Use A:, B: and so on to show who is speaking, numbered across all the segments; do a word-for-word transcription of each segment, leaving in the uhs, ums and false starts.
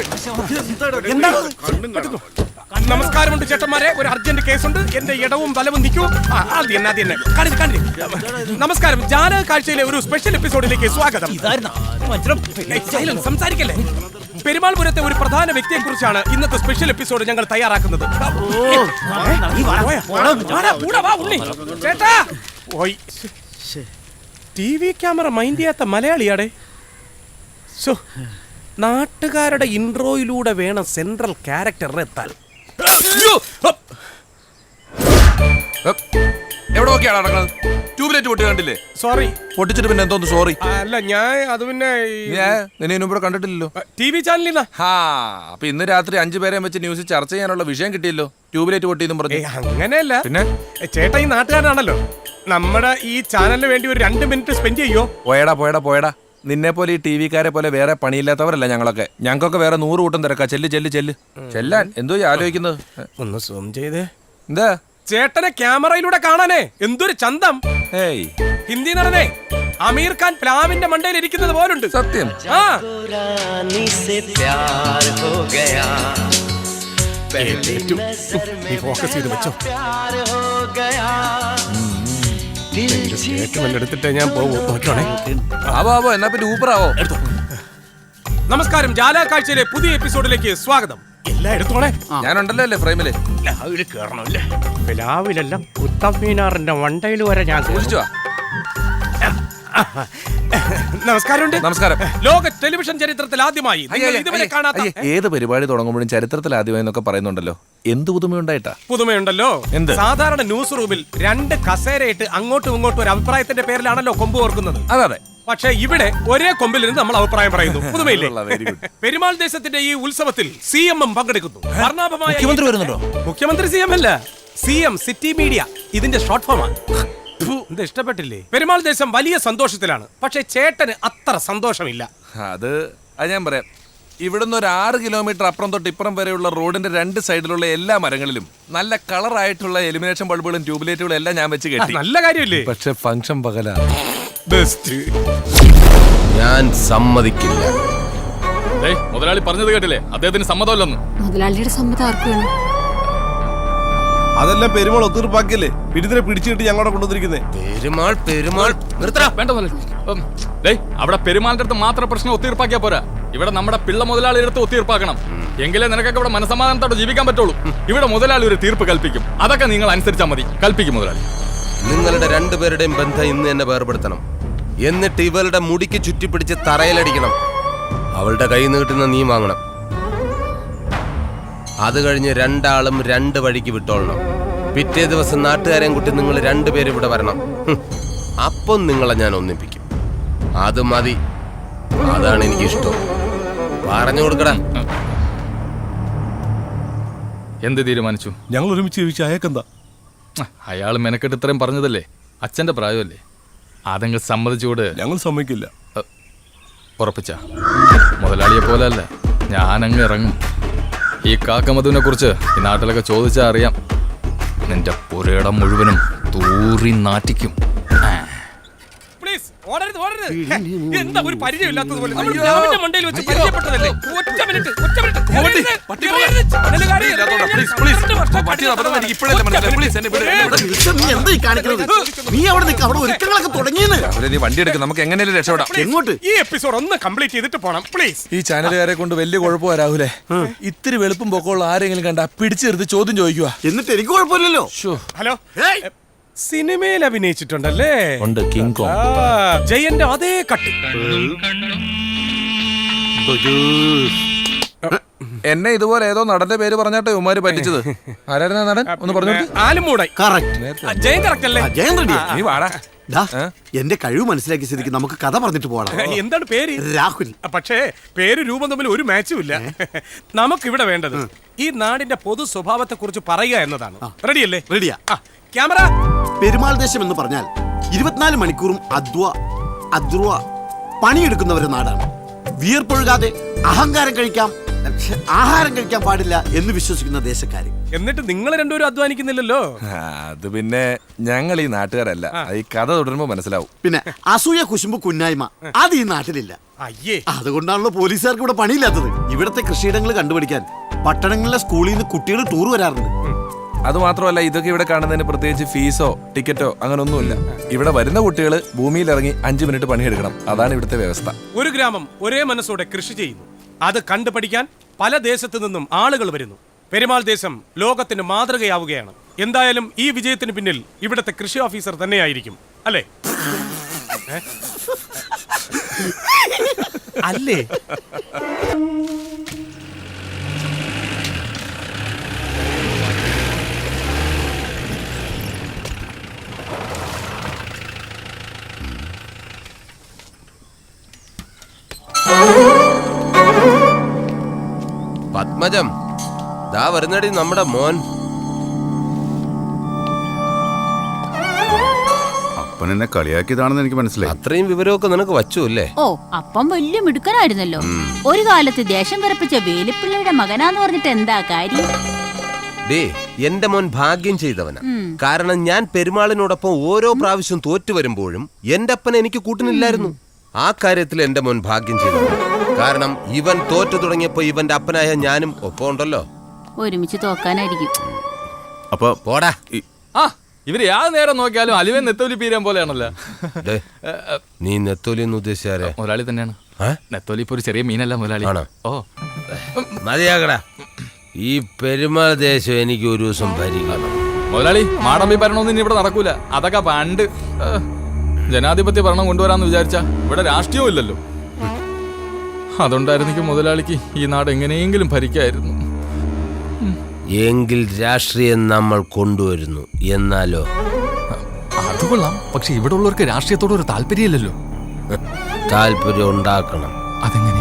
A: നമസ്കാരമുണ്ട് ചേട്ടന്മാരെ, ഒരു അർജന്റ് കേസുണ്ട്. എന്റെ ഇടവും വലവും നിൽക്കൂ. നമസ്കാരം. ജാലക കാഴ്ചയിലെ ഒരു സ്പെഷ്യൽ എപ്പിസോഡിലേക്ക് സ്വാഗതം. സംസാരിക്കല്ലേ. പെരുമാൾപുരത്തെ ഒരു പ്രധാന വ്യക്തിയെ കുറിച്ചാണ് ഇന്നത്തെ സ്പെഷ്യൽ എപ്പിസോഡ് ഞങ്ങൾ തയ്യാറാക്കുന്നത്. ചേട്ടാ, ടി വി ക്യാമറ മൈൻഡ് ചെയ്യാത്ത മലയാളിയാടെ. നാട്ടുകാരുടെ ഇൻട്രോയിലൂടെ വേണം സെൻട്രൽ ക്യാരക്ടറിനെ എത്താൻ.
B: എവിടെ നോക്കിയാണ് നടക്കുന്നത്? ട്യൂബ്ലൈറ്റ് പൊട്ടി കണ്ടില്ലേ?
A: സോറി.
B: പൊട്ടിച്ചിട്ട് പിന്നെ എന്തോന്ന് സോറി?
A: അല്ല, ഞാൻ അത് പിന്നെ
B: നിന്നെ ഇവിടെ കണ്ടിട്ടില്ലല്ലോ.
A: ടി വി ചാനലിൽ.
B: ഹാ, അപ്പൊ ഇന്ന് രാത്രി അഞ്ചു പേരെ വെച്ച് ന്യൂസിൽ ചർച്ച ചെയ്യാനുള്ള വിഷയം കിട്ടിയല്ലോ. ട്യൂബ്ലൈറ്റ് പൊട്ടിയെന്നും പറഞ്ഞു.
A: അങ്ങനെയല്ല.
B: പിന്നെ
A: ചേട്ടാ ഈ നാട്ടുകാരനാണല്ലോ. നമ്മുടെ ഈ ചാനലിന് വേണ്ടി ഒരു രണ്ട് മിനിറ്റ് സ്പെൻഡ് ചെയ്യോ?
B: പോയടാ പോയടാ പോയടാ. നിന്നെ പോലെ ഈ ടി വിക്കാരെ പോലെ വേറെ പണിയില്ലാത്തവരല്ല ഞങ്ങളൊക്കെ. ഞങ്ങൾക്കൊക്കെ വേറെ നൂറ് കൂട്ടം തിരക്കാ. ചെല്ല് ചെല്ല് ചെല്ല് ചെല്ലാൻ. എന്തോ ആലോചിക്കുന്നത്?
A: ഒന്ന് സൂം ചെയ്തേ.
B: എന്താ?
A: ചേട്ടനെ ക്യാമറയിലൂടെ കാണാനേ എന്തൊരു ചന്തം.
B: ഏയ്,
A: ഹിന്ദി നടനെ അമീർ ഖാൻ പ്ലാവിന്റെ മണ്ടയിൽ ഇരിക്കുന്നത് പോലുണ്ട്.
B: സത്യം.
A: ആ ഫോക്കസ് ചെയ്ത് വെച്ചോ. എടുത്തിട്ട് ഞാൻ പോകും.
B: എന്നാ പിന്നെ ഊപ്പറാവോ.
A: നമസ്കാരം. ജാലക കാഴ്ചയിലെ പുതിയ എപ്പിസോഡിലേക്ക് സ്വാഗതം. എല്ലാം എടുത്തോളെ.
B: ഞാനുണ്ടല്ലോ അല്ലേ ഫ്രെയിമില്.
A: പ്ലാവില് കേറണല്ലേ? പ്ലാവിലല്ല, കുത്തമ്മീനാറിന്റെ വണ്ടയിൽ വരെ ഞാൻ കുളിച്ചു. നമസ്കാരമുണ്ട്.
B: നമസ്കാരം.
A: ലോക ടെലിവിഷൻ ചരിത്രത്തിൽ ആദ്യമായി ഇതുവരെ കാണാത്ത
B: ഏത് പരിപാടി തുടങ്ങുമ്പോഴും ചരിത്രത്തിൽ ആദ്യമായി എന്നൊക്കെ പറയുന്നുണ്ടല്ലോ. എന്ത് പുതുമയുണ്ടായിട്ടാ?
A: പുതുമയുണ്ടല്ലോ. സാധാരണ ന്യൂസ് റൂമിൽ രണ്ട് കസേരയിട്ട് അങ്ങോട്ടും ഇങ്ങോട്ടും ഒരു അഭിപ്രായത്തിന്റെ പേരിലാണല്ലോ കൊമ്പ് ഓർക്കുന്നത്.
B: അതെ അതെ.
A: പക്ഷേ ഇവിടെ ഒരേ കൊമ്പിൽ നിന്ന് നമ്മൾ അഭിപ്രായം പറയുന്നു. പുതുമയില്ലേ? പെരുമാൾ ദേശത്തിന്റെ ഈ ഉത്സവത്തിൽ സി എം എം പങ്കെടുക്കുന്നു.
B: മുഖ്യമന്ത്രി വരുന്നുണ്ടോ?
A: മുഖ്യമന്ത്രി സി എം അല്ല, സി എം സിറ്റി മീഡിയ. ഇതിന്റെ ഷോർട്ട് ഫോമാണ്. ഇത് ഇഷ്ടപ്പെട്ടില്ലേ? പെരുമാൾ ദേശം വലിയ സന്തോഷത്തിലാണ്. പക്ഷെ ചേട്ടന് അത്ര സന്തോഷമില്ല.
B: അത് അത് ഞാൻ പറയാം. ഇവിടുന്ന് ഒരു ആറ് കിലോമീറ്റർ അപ്പുറം തൊട്ട് ഇപ്പുറം വരെയുള്ള റോഡിന്റെ രണ്ട് സൈഡിലുള്ള എല്ലാ മരങ്ങളിലും നല്ല കളറായിട്ടുള്ള എലിമിനേഷൻ ബൾബുകളും ട്യൂബ്ലൈറ്റുകളും എല്ലാം ഞാൻ വെച്ച് കെട്ടി.
A: നല്ല കാര്യമില്ലേ?
B: പക്ഷെ ഫംഗ്ഷൻ പകലാ.
A: ബെസ്റ്റ്.
C: ഞാൻ സമ്മതിക്കില്ല.
D: മുതലാളി പറഞ്ഞത് കേട്ടില്ലേ? അദ്ദേഹത്തിന് സമ്മതമല്ലെന്ന്.
E: മുതലാളിയുടെ സമ്മതം ആർക്കും വേണം?
F: അതെല്ലാം പെരുമാൾ ഒത്തീർപ്പാക്കിയല്ലേ പിടിതിനെ പിടിച്ചിട്ട് ഞങ്ങളോട് കൊണ്ടുവന്നിരിക്കുന്നേ.
C: പെരുമാൾ പെരുമാൾ നിർത്തടാ.
D: വേണ്ട അവിടെ പെരുമാളിന്റെ അടുത്ത് മാത്രം പ്രശ്നം ഒത്തീർപ്പാക്കിയാ പോരാ. ഇവിടെ നമ്മുടെ പിള്ള മുതലാളിയുടെ അടുത്ത് ഒത്തീർപ്പാക്കണം. എങ്കിലേ നിനക്കൊക്കെ ഇവിടെ മനസമാധാനത്തോടെ ജീവിക്കാൻ പറ്റുള്ളൂ. ഇവിടെ മുതലാളി ഒരു തീർപ്പ് കൽപ്പിക്കും. അതൊക്കെ നിങ്ങൾ അനുസരിച്ചാൽ മതി. കൽപ്പിക്കും മുതലാളി.
C: നിങ്ങളുടെ രണ്ടുപേരുടെയും ബന്ധം ഇന്ന് എന്നെ വേർപെടുത്തണം. എന്നിട്ട് ഇവളുടെ മുടിക്ക് ചുറ്റിപ്പിടിച്ച് തറയിലടിക്കണം. അവളുടെ കൈ നീട്ടുന്ന നീ വാങ്ങണം. അത് കഴിഞ്ഞ് രണ്ടാളും രണ്ട് വഴിക്ക് വിട്ടോളണം. പിറ്റേ ദിവസം നാട്ടുകാരെയും കൂട്ടി നിങ്ങൾ രണ്ടുപേരും ഇവിടെ വരണം. അപ്പം നിങ്ങളെ ഞാൻ ഒന്നിപ്പിക്കും. അത് മതി. അതാണ് എനിക്കിഷ്ടം. പറഞ്ഞു കൊടുക്കടാ.
D: എന്ത് തീരുമാനിച്ചു?
F: ഞങ്ങൾ ഒരുമിച്ച് ചോദിച്ചു. അയക്കെന്താ?
D: അയാൾ മെനക്കെട്ട് ഇത്രയും പറഞ്ഞതല്ലേ? അച്ഛന്റെ പ്രായമല്ലേ? അതെങ്കിൽ സമ്മതിച്ചുകൂട്.
F: ഞങ്ങൾ സമ്മതിക്കില്ല.
D: ഉറപ്പിച്ച മുതലാളിയെ പോലെ അല്ല, ഞാനങ്ങ് ഇറങ്ങും. ഈ കാക്കമധുവിനെ കുറിച്ച് ഈ നാട്ടിലൊക്കെ ചോദിച്ചാൽ അറിയാം. നിന്റെ പുരയിടം മുഴുവനും തൂറി നാറ്റിക്കും.
A: എന്താ ഒരു പരിചയമില്ലാത്തതുപോലെ മണ്ടയിൽ വെച്ച് പരിചയപ്പെട്ടതല്ലേ? ഒറ്റ മിനിറ്റ്, ഒറ്റ മിനിറ്റ്.
B: വണ്ടി എടുക്കും. നമുക്ക് എങ്ങനെയും രക്ഷപ്പെടാം.
A: എങ്ങോട്ട്? ഈ എപ്പിസോഡ് ഒന്ന് കംപ്ലീറ്റ് ചെയ്തിട്ട് പോണം പ്ലീസ്.
B: ഈ ചാനലുകാരെ കൊണ്ട് വലിയ കുഴപ്പമാ രാഹുലേ. ഇത്തിരി വെളുപ്പും പൊക്കമുള്ള ആരെങ്കിലും കണ്ടാ പിടിച്ചെടുത്ത് ചോദ്യം ചോദിക്കുക.
F: എന്നിട്ട് എനിക്ക് കുഴപ്പമില്ലല്ലോ.
A: ഹലോ, സിനിമയിൽ അഭിനയിച്ചിട്ടുണ്ടല്ലേ?
B: ഉണ്ട്. King Kong.
A: ജയന്റെ അതേ കട്ട്.
B: എന്നെ ഇതുപോലെ ഏതോ നടന്റെ പേര് പറഞ്ഞാട്ടെ ഉമ്മാര് പറ്റിച്ചത്. ആരായിരുന്നു നടൻ? ഒന്ന് പറഞ്ഞു.
A: ആലുമൂടായി. ജയൻ കറക്റ്റ് അല്ലേ?
B: നീ വാടാ.
F: എന്റെ കഴിവ് മനസ്സിലാക്കിയ സ്ഥിതിക്ക് നമുക്ക് കഥ പറഞ്ഞിട്ട് പോകണം.
A: എന്താണ് പേര്?
F: രാഹുൽ.
A: പക്ഷേ പേര് രൂപം തമ്മിൽ ഒരു മാച്ചും ഇല്ല. നമുക്കിവിടെ വേണ്ടത് ഈ നാടിന്റെ പൊതു സ്വഭാവത്തെ കുറിച്ച് പറയുക എന്നതാണ്. റെഡിയല്ലേ?
F: റെഡിയാ.
A: ക്യാമറ.
F: പെരുമാൾ ദേശം എന്ന് പറഞ്ഞാൽ ഇരുപത്തിനാല് മണിക്കൂറും അധ്വ അധ്രുവ പണിയെടുക്കുന്നവരുടെ നാടാണ്. വിയർപ്പൊഴുകാതെ അഹങ്കാരം കഴിക്കാം, ആഹാരം കഴിക്കാൻ പാടില്ല എന്ന് വിശ്വസിക്കുന്ന ദേശക്കാര്.
A: എന്നിട്ട് നിങ്ങൾ രണ്ടുപേരും അധ്വാനിക്കുന്നില്ലല്ലോ.
B: ആ, അത് പിന്നെ ഞങ്ങൾ ഈ നാട്ടുകാരല്ല. അത് ഈ കഥ തുടരുമ്പോ മനസ്സിലാവും.
F: പിന്നെ അസൂയ കുശുമ്പ് കുന്നായ്മ അത് ഈ നാട്ടിലില്ല.
A: അയ്യേ,
F: അതുകൊണ്ടാണല്ലോ പോലീസുകാർക്ക് ഇവിടെ പണിയില്ലാത്തത്. ഇവിടത്തെ കൃഷിയിടങ്ങൾ കണ്ടുപിടിക്കാൻ പട്ടണങ്ങളിലെ സ്കൂളിൽ നിന്ന് കുട്ടികൾ ടൂർ വരാറുണ്ട്.
B: അത് മാത്രമല്ല, ഇതൊക്കെ ഇവിടെ കാണുന്നതിന് പ്രത്യേകിച്ച് ഫീസോ ടിക്കറ്റോ അങ്ങനെ ഒന്നുമില്ല. ഇവിടെ വരുന്ന കുട്ടികൾ ഭൂമിയിൽ ഇറങ്ങി അഞ്ചു മിനിറ്റ് പണിയെടുക്കണം. അതാണ് ഇവിടുത്തെ വ്യവസ്ഥ.
A: ഒരു ഗ്രാമം ഒരേ മനസ്സോടെ കൃഷി ചെയ്യുന്നു. അത് കണ്ടുപഠിക്കാൻ പല ദേശത്തു നിന്നും ആളുകൾ വരുന്നു. പെരുമാൾ ദേശം ലോകത്തിന് മാതൃകയാവുകയാണ്. എന്തായാലും ഈ വിജയത്തിന് പിന്നിൽ ഇവിടുത്തെ കൃഷി ഓഫീസർ തന്നെയായിരിക്കും, അല്ലേ? അല്ലേ?
C: പത്മജം, ദാ വരുന്നടി നമ്മുടെ മോൻ.
G: അപ്പൻ എന്നെ കളിയാക്കിയതാണെന്ന് എനിക്ക് മനസ്സിലായി.
C: അത്രയും വിവരമൊക്കെ നിനക്ക് വച്ചു അല്ലേ?
H: ഓ, അപ്പം വലിയ മിടുക്കനായിരുന്നല്ലോ. ഒരു കാലത്ത് ദേശം വിറപ്പിച്ച വേലിപ്പിള്ളയുടെ മകനാന്ന് പറഞ്ഞിട്ട് എന്താ കാര്യം?
C: ഡേ, എന്റെ മോൻ ഭാഗ്യം ചെയ്തവനാ. കാരണം ഞാൻ പെരുമാളിനോടൊപ്പം ഓരോ പ്രാവശ്യം തോറ്റു വരുമ്പോഴും എന്റെ അപ്പൻ എനിക്ക് കൂട്ടിനില്ലായിരുന്നു. ആ കാര്യത്തിൽ എന്റെ മോൻ ഭാഗ്യം ചെയ്തവനാ. കാരണം ഇവൻ തോറ്റു തുടങ്ങിയപ്പോ ഇവന്റെ അപ്പനായ ഞാനും ഒപ്പം ഉണ്ടല്ലോ.
H: ഒരുമിച്ച് തോക്കാനായിരിക്കും.
G: അപ്പൊ
C: പോടാ.
D: ആ, ഇവര് യാത് നേരം നോക്കിയാലും അലുവൻ നെത്തോലി പീരാൻ പോലെയാണല്ലോ.
C: ഡേ, നീ നെത്തോലി എന്ന് ഉദ്ദേശിച്ചാരെ?
D: മുതലാളി തന്നെയാണ്. നെത്തോലി ഇപ്പൊ ഒരു ചെറിയ മീനല്ല മുതലാളി.
C: ആണോ?
D: ഓ,
C: മതിയാകടാ. ഈ പെരുമാൾ ദേശം എനിക്ക് ഒരു ദിവസം ഭരിക്കണം.
D: മുതലാളി, മാടമ്പി ഭരണമൊന്നും ഇനി ഇവിടെ നടക്കൂല. അതൊക്കെ പണ്ട് ജനാധിപത്യ ഭരണം കൊണ്ടുവരാന്ന് വിചാരിച്ച ഇവിടെ രാഷ്ട്രീയവും ഇല്ലല്ലോ. അതുകൊണ്ടായിരുന്നെങ്കിൽ മുതലാളിക്ക് ഈ നാട് എങ്ങനെയെങ്കിലും ഭരിക്കായിരുന്നു.
C: എങ്കിൽ രാഷ്ട്രീയം നമ്മൾ കൊണ്ടുവരുന്നു. എന്നാലോ?
D: അത് കൊള്ളാം. പക്ഷെ ഇവിടെ ഉള്ളവർക്ക് രാഷ്ട്രീയത്തോട് ഒരു താല്പര്യമില്ലല്ലോ.
C: താല്പര്യം ഉണ്ടാക്കണം.
D: അതെങ്ങനെ?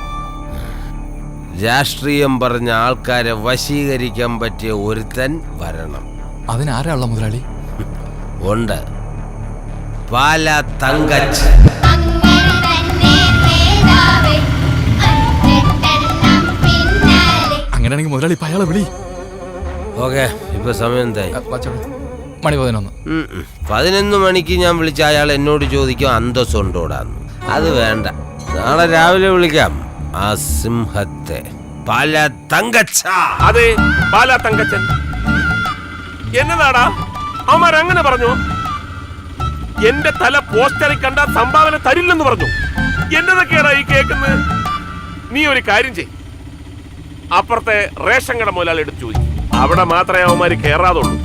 C: രാഷ്ട്രീയം പറഞ്ഞ ആൾക്കാരെ വശീകരിക്കാൻ പറ്റിയ ഒരുത്തൻ വരണം.
D: അതിനാരാള്ള മുതലാളി?
C: ഉണ്ട്. പാല തങ്കച്ച്.
D: അങ്ങനെയാണെങ്കിൽ മുതലാളി ഇപ്പൊ അയാളെ വിളി.
C: ഓക്കെ, ഇപ്പൊ സമയം എന്തായി?
D: മണി പതിനൊന്ന്.
C: പതിനൊന്ന് മണിക്ക് ഞാൻ വിളിച്ച അയാൾ എന്നോട് ചോദിക്കും അന്തസ്സുണ്ടോടാന്ന്. അത് വേണ്ട, നാളെ രാവിലെ വിളിക്കാം. ആ സിംഹത്തെ, പാല തങ്കച്ച.
I: അതെ, പാല തങ്കച്ചൻ. എന്നതാടാ അവന്മാരങ്ങനെ പറഞ്ഞു? എന്റെ തല പോസ്റ്ററിൽ കണ്ട സംഭാവന തരില്ലെന്ന് പറഞ്ഞു. എന്നതൊക്കെയാടാ ഈ കേൾക്കുന്നത്? നീ ഒരു കാര്യം ചെയ്, അപ്പുറത്തെ റേഷൻ കട മുതലാളി എടുത്ത് ചോദിക്കും. അവിടെ മാത്രമേ അവന്മാര് കേറാതുള്ളൂ.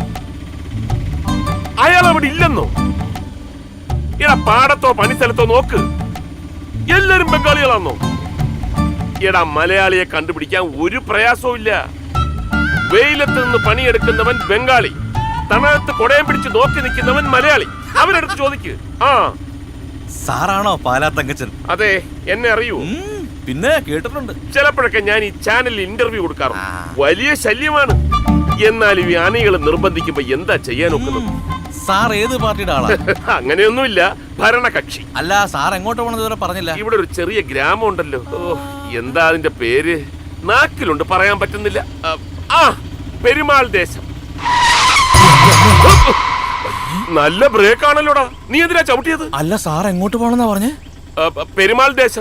I: അയാൾ അവിടെ ഇല്ലെന്നോ? എടാ, പാടത്തോ പണിസ്ഥലത്തോ നോക്ക്, എല്ലാരും ബംഗാളികളാണോ? എടാ, മലയാളിയെ കണ്ടുപിടിക്കാൻ ഒരു പ്രയാസവും ഇല്ല. വെയിലത്ത് നിന്ന് പണിയെടുക്കുന്നവൻ ബംഗാളി, തണലത്ത് കൊടയം പിടിച്ച് നോക്കി നിൽക്കുന്നവൻ മലയാളി. അവരെടുത്ത് ചോദിക്ക്. ആ,
J: സാറാണോ പാലാ തങ്കച്ചൻ?
I: അതെ, എന്നെ അറിയൂ?
J: പിന്നെ കേട്ടിട്ടുണ്ട്.
I: ചിലപ്പോഴൊക്കെ ഞാൻ ഈ ചാനലിൽ ഇന്റർവ്യൂ കൊടുക്കാറുണ്ട്. വലിയ ശല്യമാണ്. എന്നാലും ഈ ആനകൾ നിർബന്ധിക്കുമ്പോ എന്താ ചെയ്യാൻ ഒക്കുന്നത്?
J: സാർ ഏത് പാർട്ടിയുടെ ആളാ?
I: അങ്ങനെയൊന്നുമില്ല, ഭരണകക്ഷി.
J: അല്ല, സാർ എങ്ങോട്ട് പോണെന്ന് ഇതുവരെ പറഞ്ഞില്ല.
I: ഇവിടെ ഒരു ചെറിയ ഗ്രാമം ഉണ്ടല്ലോ. ഓ, എന്താ അതിന്റെ പേര്? നാക്കിലുണ്ട്, പറയാൻ പറ്റുന്നില്ല. ആ, പെരുമാൾ ദേശം. നല്ല ബ്രേക്ക് ആണല്ലോടാ. നീ എന്തിനാ ചവിട്ടിയത്?
J: അല്ല, സാർ എങ്ങോട്ട് പോണെന്നാ പറഞ്ഞേ?
I: പെരുമാൾ ദേശം.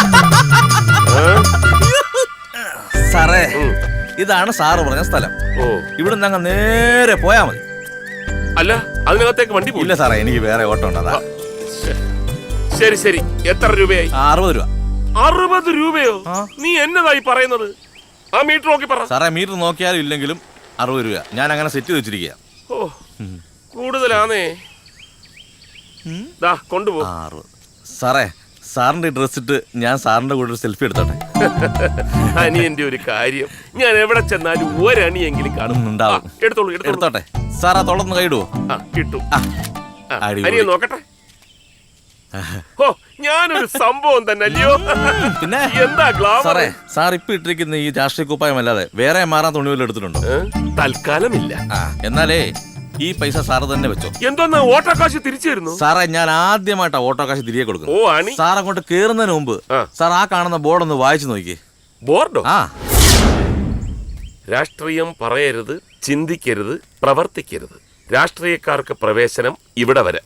J: സാറേ, ഇതാണ് സാറ് പറഞ്ഞ സ്ഥലം.
I: ഓ,
J: ഇവിടുന്ന് അങ്ങ് നേരെ പോയാ മതി.
I: അല്ല, അതിനകത്തേക്ക് വണ്ടി
J: ഇല്ല സാറേ, എനിക്ക് വേറെ ഓട്ടം ഉണ്ട്.
I: ശരി ശരി, എത്ര രൂപയായി?
J: അറുപത് രൂപ.
I: അറുപത് രൂപയോ? നീ എന്നതായി പറയുന്നത്? ആ മീറ്റർ നോക്കി പറ.
J: സാറേ, മീറ്റർ നോക്കിയാലും ഇല്ലെങ്കിലും അറുപത് രൂപ. ഞാൻ അങ്ങനെ സെറ്റ് ചെയ്ത് വെച്ചിരിക്കുക.
I: ഓ, കൂടുതലാണേ. ദാ കൊണ്ടുപോ.
J: സാറേ, സാറിന്റെ ഡ്രസ് ഇട്ട് ഞാൻ സാറിന്റെ കൂടെ ഒരു സെൽഫി എടുത്തോട്ടെ?
I: അനിയന്റെ ഒരു കാര്യം, ഞാൻ എവിടെ ചെന്നാലും ഒരണിയെങ്കിലും കാണുന്നുണ്ടാവും. എടുത്തോളൂ,
J: എടുത്തോട്ടെ. സാർ ആ തൊളന്ന് കൈയിടുവോ?
I: ആ, കിട്ടും. അനിയൻ നോക്കട്ടെ. ഓ, ഞാനൊരു സംഭവം തന്നെ അല്ലയോ?
J: പിന്നെ
I: എന്താ ഗ്ലാമർ?
J: സാറേ, സാർ ഇപ്പൊ ഇട്ടിരിക്കുന്ന ഈ രാഷ്ട്രീയ കുപ്പായം അല്ലാതെ വേറെ മാറാൻ തുണി വല്ലതും എടുത്തിട്ടുണ്ടോ?
I: തൽക്കാലമില്ല.
J: എന്നാലേ ഈ പൈസ സാറ് തന്നെ വെച്ചോ.
I: എന്തോന്ന് ഓട്ടോ കാശ് തിരിച്ചു തരുന്നു?
J: സാറേ, ഞാൻ ആദ്യമായിട്ടാ ഓട്ടോ കാശ് തിരികെ കൊടുക്കും.
I: ഓ, ആണി.
J: സാർ അങ്ങോട്ട് കേറുന്നതിന് മുമ്പ് സാർ ആ കാണുന്ന ബോർഡ് ഒന്ന് വായിച്ചു നോക്കിയേ.
I: ബോർഡോ?
J: ആ,
I: രാഷ്ട്രീയം പറയരുത്, ചിന്തിക്കരുത്, പ്രവർത്തിക്കരുത്. രാഷ്ട്രീയക്കാർക്ക് പ്രവേശനം ഇവിടെ വരെ.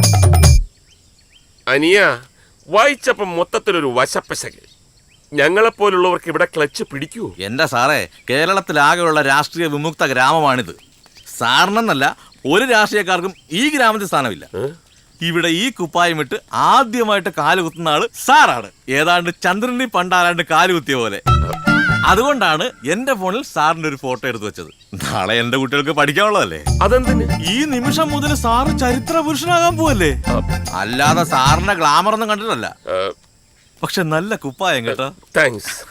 I: അനിയ വായിച്ചപ്പം മൊത്തത്തിലൊരു വശപ്പശക്. ഞങ്ങളെപ്പോലുള്ളവർക്ക് ഇവിടെ ക്ലച്ച് പിടിക്കൂ?
J: എന്റെ സാറേ, കേരളത്തിലാകെയുള്ള രാഷ്ട്രീയ വിമുക്ത ഗ്രാമമാണിത്. സാറിനെന്നല്ല ഒരു രാഷ്ട്രീയക്കാർക്കും ഈ ഗ്രാമത്തിൽ സ്ഥാനമില്ല. ഇവിടെ ഈ കുപ്പായമിട്ട് ആദ്യമായിട്ട് കാലുകുത്തുന്ന ആള് സാറാണ്. ഏതാണ്ട് ചന്ദ്രനെ പണ്ടാരാണ്ട് കാലുകുത്തിയ പോലെ. അതുകൊണ്ടാണ് എന്റെ ഫോണിൽ സാറിന്റെ ഒരു ഫോട്ടോ എടുത്തു വെച്ചത്. നാളെ എന്റെ കുട്ടികൾക്ക് പഠിക്കാനുള്ളതല്ലേ.
I: അതെന്തിന്?
J: ഈ നിമിഷം മുതൽ സാറ് ചരിത്ര പുരുഷനാകാൻ പോവല്ലേ. അല്ലാതെ സാറിന്റെ ഗ്ലാമർ ഒന്നും കണ്ടിട്ടല്ല. പക്ഷെ നല്ല കുപ്പായം കേട്ടോ.
I: താങ്ക്സ്.